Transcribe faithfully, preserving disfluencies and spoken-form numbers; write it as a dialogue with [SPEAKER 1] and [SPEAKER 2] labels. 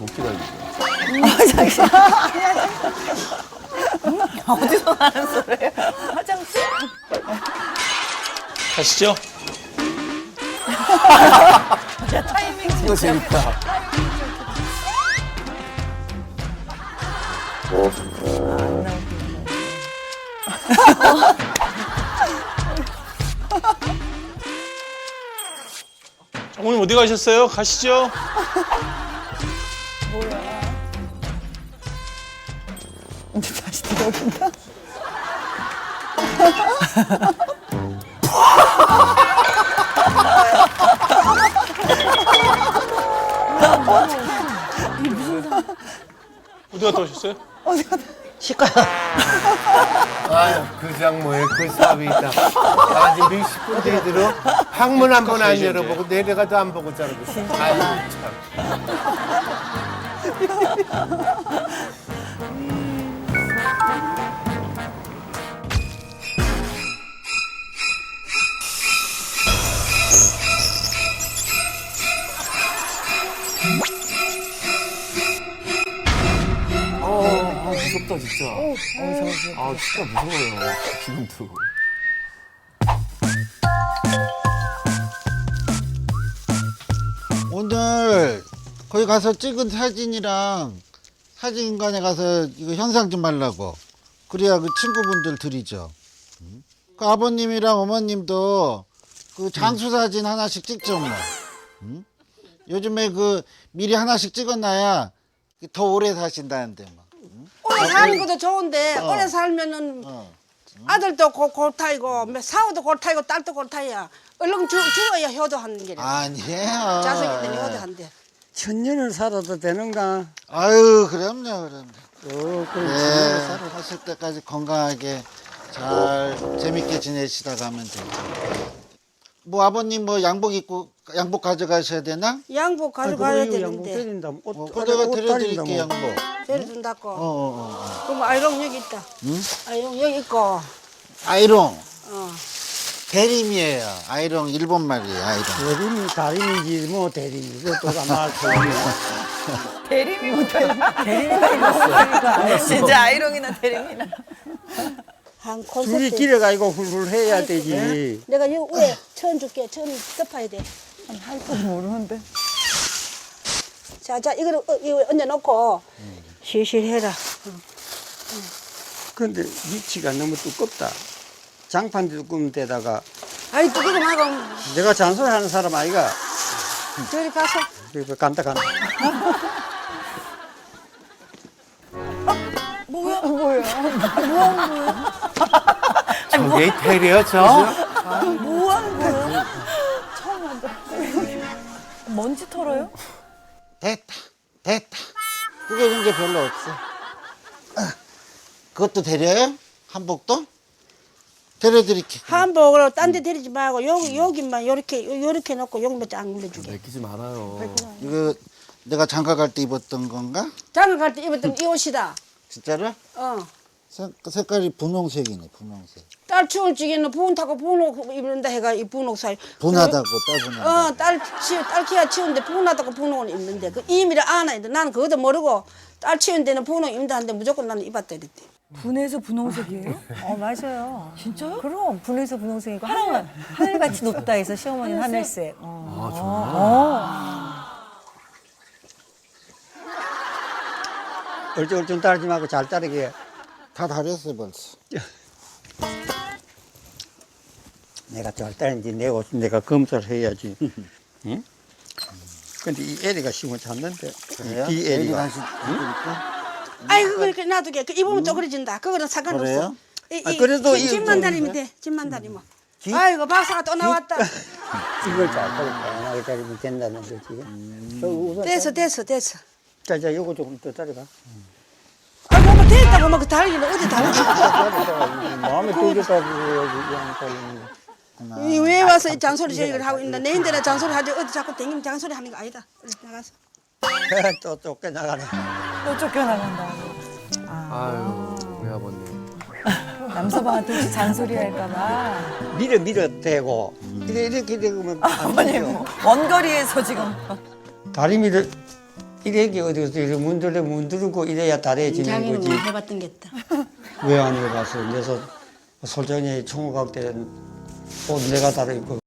[SPEAKER 1] 못 기다리죠.
[SPEAKER 2] 아, 잠시만. 어디서 나는 소리예요? 화장실?
[SPEAKER 3] 가시죠.
[SPEAKER 2] 야, 타이밍 진짜.
[SPEAKER 1] 이거 재밌다.
[SPEAKER 2] 안 나오고.
[SPEAKER 3] 어머님 어디 가셨어요? 가시죠.
[SPEAKER 2] 근데 다시 들어오긴다.
[SPEAKER 3] 어디 갔다 오셨어요?
[SPEAKER 2] 어디 갔다.
[SPEAKER 4] 아유, 그 장모에 그 사업이 있다. 나 지금 몇십 분 뒤에 들어 방문 한 번 안
[SPEAKER 3] 가시죠,
[SPEAKER 4] 열어보고 내려가도 안 보고 자르고 있어. 아유, 참.
[SPEAKER 1] 아, 무섭다, 진짜. 아, 진짜 무서워요. 지금도.
[SPEAKER 5] 오늘 거기 가서 찍은 사진이랑 사진관에 가서 이거 현상 좀 하려고. 그래야 그 친구분들 드리죠. 음? 그 아버님이랑 어머님도 그 장수 사진 하나씩 찍죠 뭐. 음? 요즘에 그 미리 하나씩 찍어놔야 더 오래 사신다는데 뭐.
[SPEAKER 6] 오래 사는 것도 좋은데 오래 살면은
[SPEAKER 5] 어.
[SPEAKER 6] 아들도 고, 골타이고 뭐 사우도 골타이고 딸도 골타이야. 얼른 죽, 죽어야 효도하는 게래.
[SPEAKER 5] 아니에요.
[SPEAKER 6] 자석이 때문에 효도한대.
[SPEAKER 7] 천년을 살아도 되는가?
[SPEAKER 5] 아유 그럼요 그럼요.
[SPEAKER 7] 어, 그럼
[SPEAKER 5] 네,
[SPEAKER 7] 천년을 살아.
[SPEAKER 5] 하실 때까지 건강하게 잘 재밌게 지내시다 가면 되죠. 뭐 아버님 뭐 양복 입고 양복 가져가셔야 되나?
[SPEAKER 6] 양복
[SPEAKER 7] 아이고,
[SPEAKER 6] 가져가야
[SPEAKER 7] 이거 양복
[SPEAKER 6] 되는데
[SPEAKER 7] 때린다. 옷,
[SPEAKER 5] 어, 그 내가
[SPEAKER 7] 옷
[SPEAKER 5] 드려드릴게
[SPEAKER 7] 다린다,
[SPEAKER 5] 양복.
[SPEAKER 7] 뭐.
[SPEAKER 6] 데려준다고.
[SPEAKER 5] 어, 어, 어.
[SPEAKER 6] 그럼 아이롱 여기 있다.
[SPEAKER 5] 응?
[SPEAKER 6] 아이롱 여기 있고.
[SPEAKER 5] 아이롱
[SPEAKER 6] 어.
[SPEAKER 5] 대림이에요. 아이롱 일본 말이에요. 아이롱.
[SPEAKER 7] 대림이 다림이지 뭐 대림이. 그것도 아마
[SPEAKER 2] 대림이 못해. 대림이가 있었어. 진짜 아이롱이나 대림이나.
[SPEAKER 6] 한
[SPEAKER 7] 줄이
[SPEAKER 6] 콘서트.
[SPEAKER 7] 길어가지고 훌훌 해야 되지.
[SPEAKER 6] 내가 여기 위에 천 줄게. 천 덮어야 돼.
[SPEAKER 2] 할 줄 모르는데.
[SPEAKER 6] 자, 자, 이거를 어, 이거 얹어놓고 실실 해라.
[SPEAKER 7] 근데 위치가 너무 두껍다. 장판 두꺼운 데다가
[SPEAKER 6] 아이 두고 좀 하고
[SPEAKER 7] 내가 잔소리하는 사람 아이가
[SPEAKER 6] 저리 가서.
[SPEAKER 7] 그래서 간다 간다.
[SPEAKER 2] 뭐야? 뭐야?
[SPEAKER 4] 저게 테리어 저?
[SPEAKER 2] 뭐 하는 거야? 처음 한다. 먼지 털어요?
[SPEAKER 5] 됐다. 됐다. 그게 이제 별로 없어. 아, 그것도 데려요? 한복도? 데려드릴게.
[SPEAKER 6] 한복을 딴 데 데리지 말고 여기 여기만 요렇게 요렇게 놓고 여기만 쫙 눌러주게.
[SPEAKER 1] 내키지 말아요.
[SPEAKER 5] 이거 내가 장가 갈 때 입었던 건가?
[SPEAKER 6] 장가 갈 때 입었던 이 옷이다.
[SPEAKER 5] 진짜로?
[SPEAKER 6] 어.
[SPEAKER 5] 색, 색깔이 분홍색이네. 분홍색.
[SPEAKER 6] 딸 추울 적에는 부은 타고 분홍 입는다 해가 이 분홍 살.
[SPEAKER 5] 분하다고 따분하다.
[SPEAKER 6] 어, 딸 치, 딸 키가 치운데 분하다고 분홍을 입는데 그 이미를 아나 했는데 나는 그것도 모르고 딸 치운 데는 분홍 입는다 하는데 무조건 나는 입었다 이랬대.
[SPEAKER 2] 분해서 분홍색이에요?
[SPEAKER 8] 어 맞아요.
[SPEAKER 2] 진짜요?
[SPEAKER 8] 그럼 분해서 분홍색이고 하늘 하늘같이 높다 해서 시어머니는 하늘색. 어.
[SPEAKER 1] 아,
[SPEAKER 7] 얼쩡얼쩡 따르지 말고 잘 따르게.
[SPEAKER 5] 다 다렸어 벌써.
[SPEAKER 7] 내가 잘 따르는지 내 옷 내가 검사를 해야지. 응? 근데 이 애리가 심을 찾는데
[SPEAKER 5] 그래요?
[SPEAKER 7] 이
[SPEAKER 5] 애리
[SPEAKER 7] 애리가
[SPEAKER 5] 다시 드릴까?
[SPEAKER 6] 아이 그거 이렇게 놔두게. 그 입으면 쪼그려진다. 그거는 상관없어.
[SPEAKER 5] 그래요?
[SPEAKER 6] 이,
[SPEAKER 7] 아,
[SPEAKER 6] 이,
[SPEAKER 7] 그래도
[SPEAKER 6] 집-
[SPEAKER 7] 이-
[SPEAKER 6] 집만 다니면 돼. 집만 다니면. 아이고 박사가 또 나왔다.
[SPEAKER 7] 이걸 잘 따르고 따르면 된다는 거지. 저 우선
[SPEAKER 6] 됐어 됐어 됐어.
[SPEAKER 7] 자, 자, 요거 조금 더 따라가.
[SPEAKER 6] 아이고 뭐 됐다고 막 달리는 어디 달리?
[SPEAKER 7] 마음에 들겠다고 여기 안 따르는 거.
[SPEAKER 6] 왜 와서 이 잔소리 저기를 하고 있나? 내 인데나 잔소리 하지 어디 자꾸 댕기면 잔소리 하는 거 아니다. 얼른 나가서.
[SPEAKER 7] 또 쫓겨나가네.
[SPEAKER 2] 또 쫓겨나간다.
[SPEAKER 1] 아유, 우리 아버님.
[SPEAKER 2] 남서방한테 혹시 잔소리 할까봐.
[SPEAKER 7] 밀어 밀어 대고 이렇게 이렇게 되면 안
[SPEAKER 2] 아버님,
[SPEAKER 7] 되죠.
[SPEAKER 2] 원거리에서 지금.
[SPEAKER 7] 다리미를 이래기 어디서 이래 문들려 문두르고 이래야 달해지는
[SPEAKER 6] 자기는
[SPEAKER 7] 거지.
[SPEAKER 6] 뭐 해봤던 게 있다.
[SPEAKER 7] 왜 안 해봤어? 그래서 솔직히 총각 때는 옷 내가 다르고